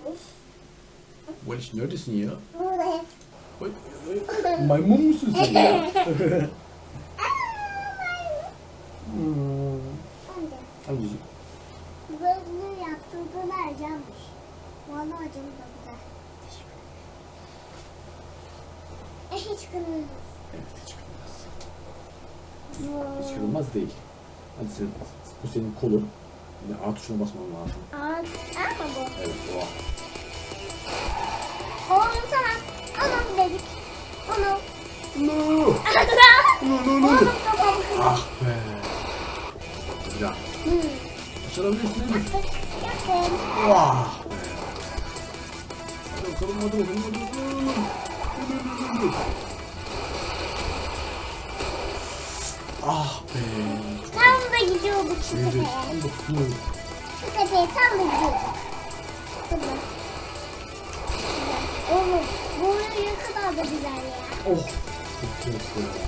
Valiş neredesin ya? Buradayım. Oy, maymun musun sen ya? Anneciğim. Böyle yaptırdığını acımış. Vallahi acım da güzel. Hiç kırmızı. Evet, hiç kırılmaz. Hiç kırılmaz değil. Hadi sen, bu senin kolun. Yine A tuşuna basman lazım. Ama bu. Evet, o A. Oğlum tamam. Onu dedik. Onu. No! No! Oğlum tamam. Ah be! Bir daha. Başarabilirsin değil mi? Yaptım. Vah be! Hadi bakalım, hadi bakalım, hadi bakalım. Ah be! Tam da gidiyorduk şu Evet, tepeye. tam da tutuyorum. Şu tepeye tam da gidiyorduk. Tamam. Oğlum bu ne kadar da güzel ya. Oh! Çok güzel.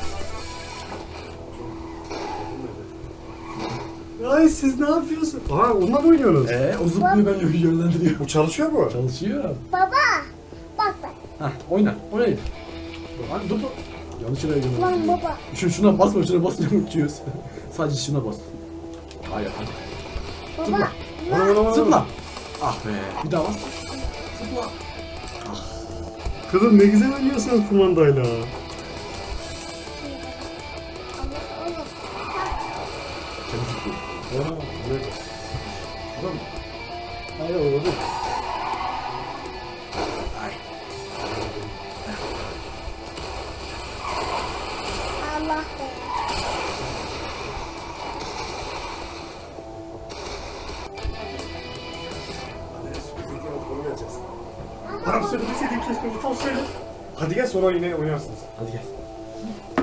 Ay siz ne yapıyorsun? Aa onunla mı oynuyorsunuz? O zıplıyor, ben de yönlendiriyor. Bu çalışıyor mu? Çalışıyor. Baba bak bak. Hah, oyna, oynayın. Dur, dur. Yanlış yere gidiyorum. Lan baba. Şuna basma, şuna basınca uçuyoruz. Sadece şuna bas. Hayır, hadi. Baba. Ana. Zıpla. Ah be, bir daha bas. Zıpla. Kızım ne güzel oynuyorsun kumandayla. Kendi zıplıyor. Aa, evet. Tamam. Hayır, oldu. Ay. Allah be. Tamam söyle, bir şey diyeyim, keşke bu tam söyle. Hadi gel sonra yine oynarsınız. Hadi gel.